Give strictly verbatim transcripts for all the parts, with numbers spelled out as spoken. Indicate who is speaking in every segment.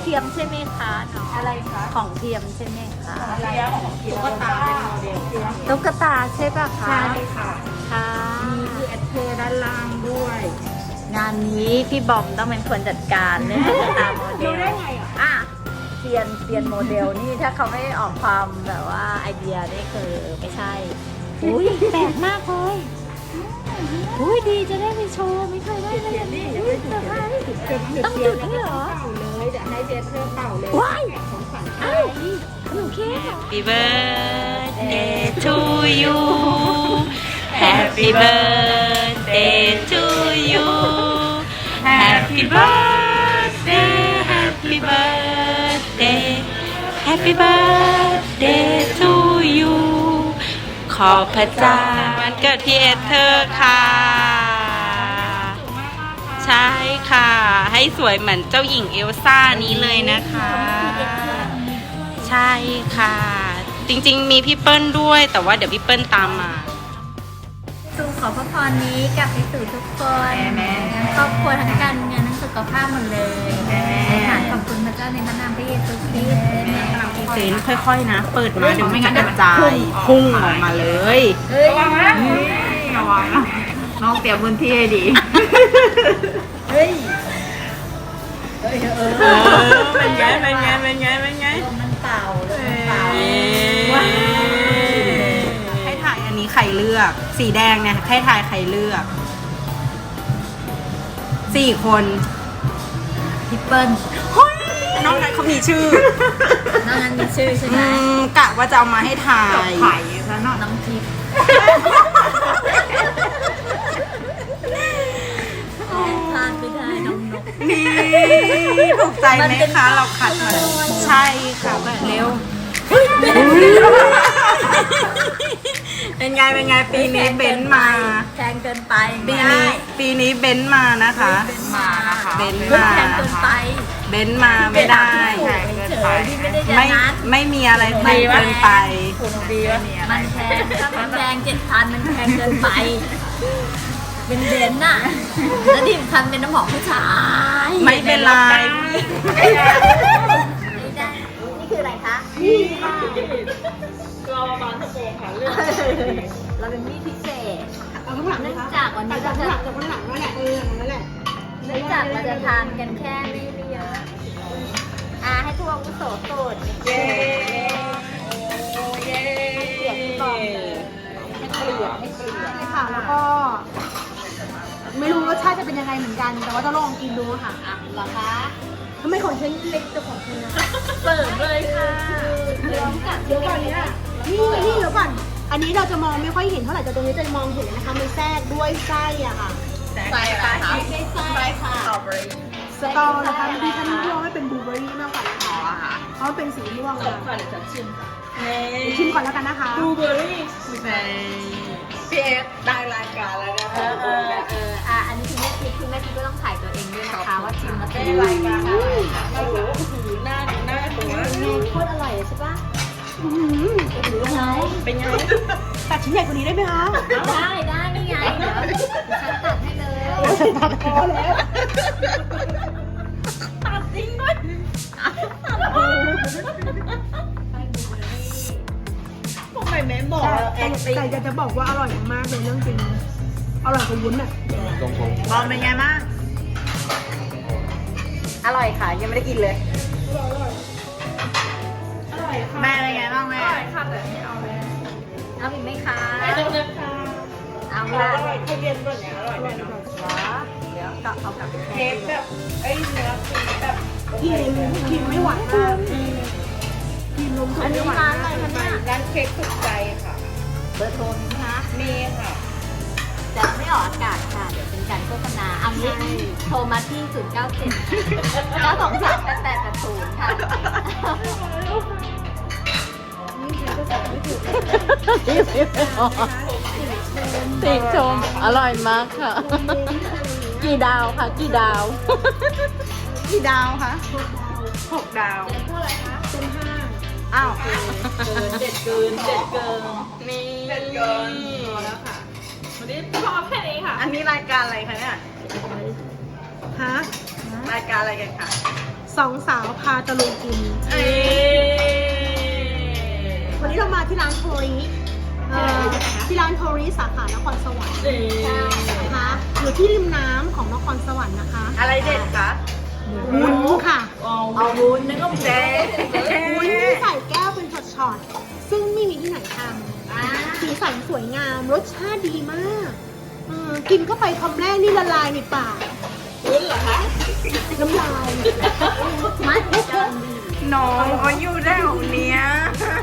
Speaker 1: ทียมใช่ไหมคะน้องอะไรคะของเทียมใช่ไหมคะอะไรตุ๊กตาเป็นโมเดลตุ๊กตาใช่ป่ะคะใช่ค่ะค่ะมีคือแอดเทอร์ด้านล่างด้วยงานนี้พี่บอมต้องเป็นคนจัดการเรื่องตุ๊กตาโมเดลได้ไงอ่ะเซียนเซียนโมเดลนี่ถ้าเขาไม่ออกความแบบว่าไอเดียนี่คือไม่ใช่อุ้ยแปลกมากเลยอุ้ยดีจะได้ไปโชว์ไม่เคยได้เลยนี่ต้องจุดด้วยเหรอเลยเดี๋ยวให้เจสเธอเป่าเลยว้ายอ้าวหนูเค้ก
Speaker 2: Happy birthday to you Happy birthday to you Happy birthday Happy birthday Happy birthday to you ขอพระเจ้าวันเกิดพี่เอเธอร์ค่ะ ใช่ค่ะ ให้สวยเหมือนเจ้าหญิงเอลซ่านี้เลยนะคะ ใช่ค่ะ จริงๆมีพี่เปิ้ลด้วยแต่ว่าเดี๋ยวพี่เปิ้ลตามมา
Speaker 1: สู่ขอพระพรนี้กลับไปสู่ทุกคนครอบครัวทั้งการเงินทั้งสุขภาพหมดเลยในฐานขอบคุณพระเจ้าในพระนามพระเยซูคริสต์
Speaker 2: เซนค่อยๆนะเปิดมาเดี๋ยวไม่งั้นจะกระจายพุ่งออกมาเลยระวังนะระวังนะน้องเตรียมพื้นที่ให้ดี
Speaker 1: เฮ้ย
Speaker 2: เป็นไงเป็นไงเป็นไงเป็นไง
Speaker 1: มันเป่ามันเป่า
Speaker 2: ให้ถ่ายอันนี้ใครเลือกสีแดงเนี่ยให้ถ่ายใครเลือกสี่คน
Speaker 1: พี่เปิ้ล
Speaker 2: น้องนั้นเขามีชื่อ
Speaker 1: น้องนั้นมีชื่อใช่ไหม
Speaker 2: กะว่าจะเอามาให้ถ่าย
Speaker 1: ไข่ซะหน่อยน้องทิพย์ทานไปได้น้องนก
Speaker 2: นี่ถูกใจไหมคะเราขัดมาใช่ค่ะแบบเร็วเป็นไงเป็นไงปีนี้เบนมา
Speaker 1: แพงเกินไป
Speaker 2: ปีนี้ปีนี้เบนมานะคะ
Speaker 1: เบนมานะคะ
Speaker 2: เบนมา
Speaker 1: แพงเกินไป
Speaker 2: เบนมาไม่ได้ไม่ไม่มีอะไรแพงเกินไป
Speaker 1: มันแพงถ้ามันแพงเจ็ดพันมันแพงเกินไปเป็นเบนน่ะแล้วดิมคันเป็นน้ำหอมผู้ชาย
Speaker 2: ไม่เป็นไร
Speaker 1: ไม่ได้นี่คืออะไรคะนี่ค่ะเราบานสะโพกค่ะเรื่องเราเป็นมีดพิเศษเนื่องจากวันนี้เราจะเนื่องจากเราจะทานกันแค่ไม่เยอะอ่าให้ทุกคนโสดโสดเย้เย้เกลียดที่บอมเลยให้เกลียดให้เกลียด
Speaker 3: ค่ะแล้วก็ไม่รู้รสชาติจะเป็นยังไงเหมือนกันแต่ว่าจะลองกินดูค่ะ
Speaker 1: อ่ะเหรอคะ
Speaker 3: ทำไมของฉันเล็กกว่าของคุณนะ
Speaker 1: เปิดเลยค่ะเดี๋ยวกัด
Speaker 3: เดี๋ยวก่อนนี้นี่นี่เดี๋ยวก่อนอันนี้เราจะมองไม่ค่อยเห็นเท่าไหร่แต่ตรงนี้จะมองเห็นนะคะมันแทรกด้วยไส้อ่ะค่ะ
Speaker 1: ไส้อะไรคะไส้ค่ะสตรอเบอรี่
Speaker 3: สตอนะคะดิฉันมองให้เป็นบลูเบอรี่มากกว่านะคะเพราะเป็นสีม่วงเลย
Speaker 1: ก่อนเดี๋ยวฉันชิมค่ะ
Speaker 3: ชิมก่อนแล้วกันนะคะ
Speaker 1: บลูเบอรี่ในพีเอฟได้รายการแล้วนะเออเออเอออ่ะอันนี้คุณแม่ทิพย์คุณแม่ทิพย์ก็ต้องถ่ายตัวเองด้วยนะคะว่าชิมมาได้รายการโอ้โหหน้าหน้าตัวโคตรอร่อยใช่ปะ
Speaker 3: อืม
Speaker 1: เป็นไง
Speaker 3: ตัดชิ้นใหญ่กว่านี้ได้ไหมคะ
Speaker 1: ได้ได้นี่ไงเดี๋ยวฉันตัดให้เลย
Speaker 3: ฉันตัดพอแล้ว
Speaker 1: ตัดจริงด้วยทำไมแม่บอก
Speaker 3: ไก่จะจะบอกว่าอร่อยมากเลยเรื่องจริงอร่อยกว่าวุ้นอ่ะ
Speaker 2: บอมเป็นไงบ้างอร่อยค่ะยังไม่ได้กินเลยแม่เป็นไงบ้างแม่
Speaker 1: ค่ะแต่ไม่เอาเลยเอาอีกไหมคะ
Speaker 3: เอาเลยค่ะ
Speaker 1: เอาละ
Speaker 3: อร่อยทุเรียนแบบนี้อร่อยแน่นอน
Speaker 1: เดี๋ยวก็เอากลับ
Speaker 3: เค้กแบบไอ้เนื้อครีมแบบครีมครีมไม่หวานมากครีมนมสดไม่หวานมากร้านเค้กสุดใจค่ะ
Speaker 1: เบอร์โทรนี้นะคะ
Speaker 3: มีค่ะ
Speaker 1: แต่ไม่ออกอากาศค่ะเดี๋ยวเป็นการโฆษณาเอางี้โทรมาที่ ศูนย์ เก้า เจ็ด เก้า สอง สาม แปด แปด แปด ศูนย์ ค่ะ
Speaker 2: ติชมอร่อยมากค่ะกี่ดาวค่ะกี่ดาวกี่ดาวคะหกดาว
Speaker 3: เท่าไหร่คะเป็นห้า
Speaker 2: อ้าว
Speaker 1: เจ็ดเกินเจ็ดเกิน
Speaker 2: นี่เจ็ดเกิน
Speaker 3: พอแล้วค่ะ
Speaker 1: วันนี้พอแค่นี้ค่ะ
Speaker 2: อันนี้รายการอะไรคะเนี่ย
Speaker 3: ฮะ
Speaker 2: รายการอะไรกันคะ
Speaker 3: สสองสาวพาตะลุยกิน
Speaker 2: เอ้ย
Speaker 3: วันนี้เรามาที่ร้านโทริเอ่อที่ร้านโทริสาขานครสวรรค์
Speaker 2: เอ้ย
Speaker 3: นะคะอยู่ที่ริมน้ำของนครสวรรค์นะคะ
Speaker 2: อะไรเด็ดคะ
Speaker 3: วุ้นค่ะ
Speaker 2: เอาวุ้นนึกว่าแดง
Speaker 3: วุ้นที่ใส่แก้วเป็นช็อตๆซึ่งไม่มีที่ไหนทำสีสันสวยงามรสชาติดีมากเออกินเข้าไปคำแรกนี่ละลายในปาก
Speaker 2: วุ้นเหรอคะ
Speaker 3: น้ำลายมัดเพิ่ม
Speaker 2: น้องเขาอยู่แถวเนี้ย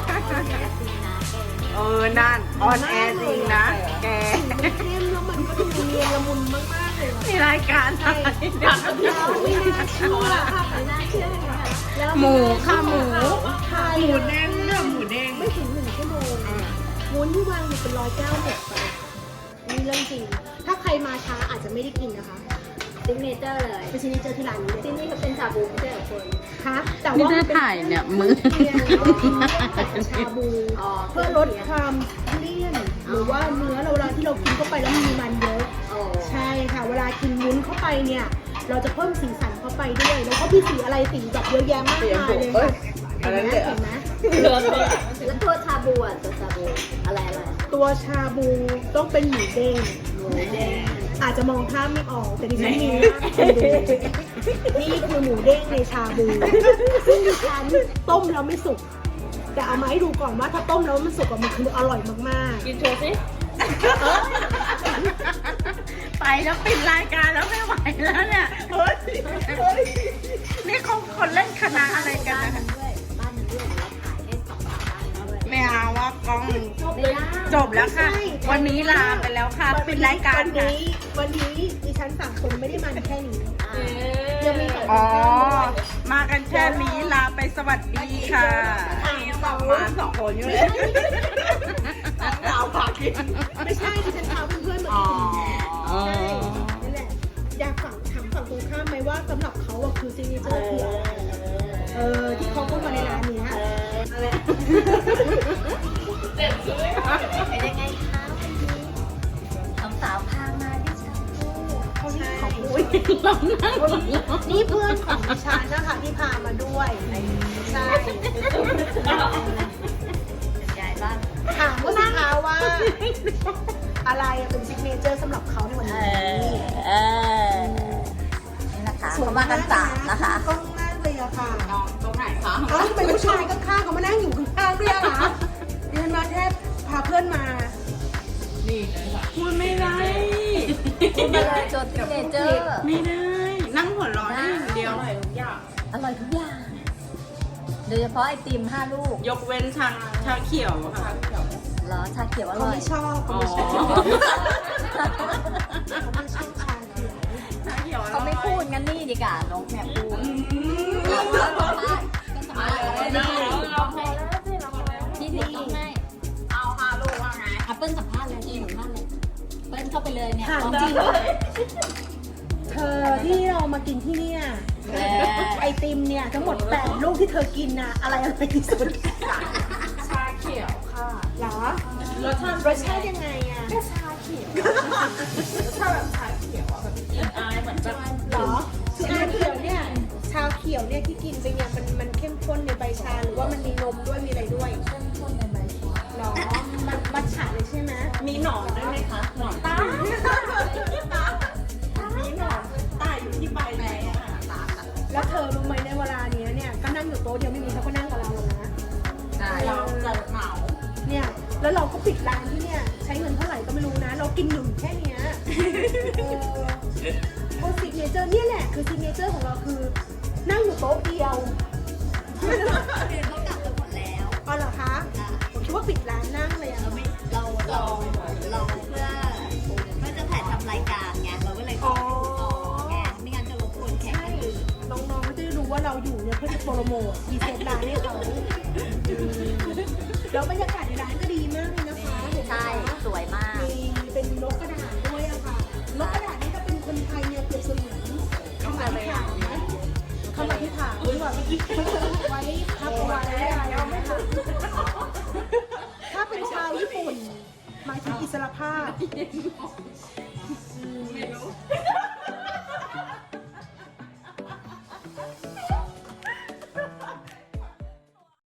Speaker 2: เออนั่นออนแอร์จริงนะแก
Speaker 3: เข้มแล้วมันก็ดูเนียนละมุนมากๆเลย
Speaker 2: มีรายการอะไร
Speaker 3: แล้วไม่น่าเชื่อค่ะไม่น่าเชื่อค่ะแล้ว
Speaker 2: หมูค่ะหมู
Speaker 3: ไทย
Speaker 2: หมูเด้งเนี่ยหมูเด้ง
Speaker 3: ไม่ถึงหนึ่งชั่วโมงวุ้นที่วางอยู่เป็นร้อยแก้วหมดไปนี่เรื่องจริงถ้าใครมาช้าอาจจะไม่ได้กินนะคะ
Speaker 4: ซิกเนเจอร์เลย
Speaker 3: เป็นซิกเนเจอร์ที่ร้านนี้เลย
Speaker 4: ที่นี่เขาเป็นชาบูไม่ใช่เหรอคุณ
Speaker 3: คะแต่
Speaker 1: นี่
Speaker 3: ว่า
Speaker 1: ถ้าถ่ายเนี่ยมือ
Speaker 3: ชาบู
Speaker 4: อ๋อ
Speaker 3: เพื่อลดความเลี่ยนหรือว่าเนื้อเราเวลาที่เรากินเข้าไปแล้วมีมันเยอะ
Speaker 4: โอ้
Speaker 3: ใช่ค่ะ เวลากินวุ้นเข้าไปเนี่ย เราจะเพิ่มสีสันเข้าไปด้วย แล้วก็มีสีอะไรสีแบบเยอะแยะมากมายเลยค่ะเห็นไหมเห็นไหม
Speaker 4: แล้วตัวชาบูอ่ะตัวชาบูอะไรอะไร
Speaker 3: ตัวชาบูต้องเป็นหมูเด้ง
Speaker 4: หมูแดง
Speaker 3: อาจจะมองภาพไม่ออกแต่ดิฉันมีนะคุณดูนี่คือหมูเด้งในชาบูซึ่งดิฉันต้มแล้วไม่สุกแต่เอามาให้ดูก่อนว่าถ้าต้มแล้วมันสุกอะมันคืออร่อยมากๆ
Speaker 4: กินโชว์สิ
Speaker 2: ไปแล้วปิดรายการแล้วไม่ไหวแล้วเนี่ยเฮ้ยเฮ้ยนี่เขาคนเล่นคณะอะไรกันนะคะ
Speaker 4: ด้วยบ้านนั้นด้วยเราขายให้สองสามบ้านด้วย
Speaker 2: ไม่เอาว่ากล้อง
Speaker 4: ไม่ได้
Speaker 2: จบแล้วค่ะ
Speaker 3: ใช่
Speaker 2: วันนี้ลาไปแล้วค่ะปิดรายการ
Speaker 3: วัน
Speaker 2: ค่ะ
Speaker 3: นี้วันนี้ดิฉันสามคนไม่ได้มาแค่นี้
Speaker 4: อ่า
Speaker 3: ยังมีสองค
Speaker 2: อ๋อ
Speaker 3: น
Speaker 2: มากันแค่นี้ลาไปสวัสดีค่ะสองมาสองคนอยู่เลยสาวผักกิน
Speaker 3: ไม่ใช่ดิฉันพาเพื่อนๆมา
Speaker 2: อ๋อ
Speaker 3: กินใช่นั่นแหละอยากฝั่งถามฝั่งตรงข้ามไหมว่าสำหรับเขาอะคือซิกเนเจอร์คืออะไรเออที่เขาเข้ามาในร้านเนี้ย
Speaker 4: เป็นยังไงคะวันนี้สองสาวพามาที่ชาบู
Speaker 3: เขาที่ของอุ้ยนี่เพื่อนของดิฉันนะคะที่พามาด้วยใช่
Speaker 4: ยายบ้าน
Speaker 3: ถามว่าสิคะว่า อะไรอะเป็นซิกเนเจอร์สำหรับเขาในวัน
Speaker 4: เอ
Speaker 3: นี้
Speaker 4: อเออนี่นะคะเขามากันสามนะคะ
Speaker 3: กล้องมากเลยอะค่ะ
Speaker 2: ตรงไหนคะ
Speaker 3: เอ้าทำไมผู้ชายข้างๆเขามานั่งอยู่ข้างๆด้วยอะคะดิฉันมาแค่พาเพื่อนมา
Speaker 2: พูดไม่ได้
Speaker 4: คุณมาเลยจดซิกเนเจอร์
Speaker 2: ไม่ได้ นั่งหัวเร้อนอย่างเดียว
Speaker 4: อร่อยทุกอย่าง โดยเฉพาะไอติมห้าลูก
Speaker 2: ยกเว้นชาชาเขียวค่ะ
Speaker 4: เหรอ ชาเขียวอ
Speaker 3: เขา
Speaker 4: ร่อย
Speaker 3: ไม่ชอบเขา
Speaker 2: อ๋อ
Speaker 3: ไม่ชอบเขาไม่ชอบชาเขียว
Speaker 2: ชาเขียวอร่อย
Speaker 4: เขาไม่พูดงั้นนี่ดีกว่าน้องแม่พูด
Speaker 2: อืม
Speaker 4: พี่พี่ต้องให้
Speaker 2: เอาห้าลูกว่าไง
Speaker 4: อ่ะเปิ้ลสัมภาษณ์เลยสัมภาษณ์เลยเปิ้ลเข้าไปเลยเนี่ย
Speaker 3: ถามจริงเธอที่เรามากินที่เนี่ยไอติมเนี่ยทั้งหมดแปดลูกที่เธอกินน่ะอะไรอร่อยที่สุด
Speaker 2: ชาเขียวค่ะ
Speaker 3: เหรอ
Speaker 2: รสชาติ
Speaker 3: รสชาติยังไงอะ
Speaker 2: ก็ชาเขียวรสชาติแบบชาเขียวอ่ะแบบกินอายเหมือนแบบ
Speaker 3: เหรอชาเขียวเนี่ยชาเขียวเนี่ยที่กินไปเนี่ยมันมันเข้มข้นในใบชาหรือว่ามันมีนมด้วยมีอะไรด้วยเข้มข้นในใบชาหรอมันมัทฉะเลยใช่ไหม
Speaker 2: มีหนอนด้วยไหมคะหนอนตามีหนอนตายอยู่ที่ใบไหนอ่ะ
Speaker 3: แล้วเธอรู้ไหมในเวลาเนี้ยเนี่ยก็นั่งอยู่โต๊ะเดียวไม่มีเขาก็นั่งกับเราแล้วนะ
Speaker 2: เราจะเหมา
Speaker 3: เนี่ยแล้วเราก็ปิดร้านที่เนี่ยใช้เงินเท่าไหร่ก็ไม่รู้นะ เรากินหนึ่งแค่เนี้ยเออโอ้ซิกเนเจอร์เนี่ยแหละคือซิกเนเจอร์ของเราคือนั่งอยู่โต๊ะเดียว
Speaker 4: เขากลับกันหมดแล้ว
Speaker 3: อ๋อเหรอคะผมคิดว่าปิดร้านนั่งเลยอะ
Speaker 4: เราไม่เราเราเราเพื่อเพื่อจะถ่ายทำรายการไงเราก็เลยขอต่อไงไม่งั้นจะรบกวนแขก
Speaker 3: ใช่
Speaker 4: คนอื่น
Speaker 3: น้องๆก็จะได้รู้ว่าเราอยู่เนี่ยเพื่อจะโปรโมทพรีเซนต์ร้านให้เขาแล้วบรรยากาศในร้านก็ดีมากเลยนะคะเห็นไหม
Speaker 4: ใช่
Speaker 3: คะ
Speaker 4: สวยมาก
Speaker 3: มีเป็นนกกระดาษด้วยอะค่ะ นกกระดาษนี่ถ้าเป็นคนไทยเนี่ยเปรียบเสมือนคำอธิษฐานนะคำอธิษฐานไว้แบบไว้พับเอาไว้อะไรเอาไม่ทันถ้าเป็นชาวญี่ปุ่นหมายถึงอิสรภาพ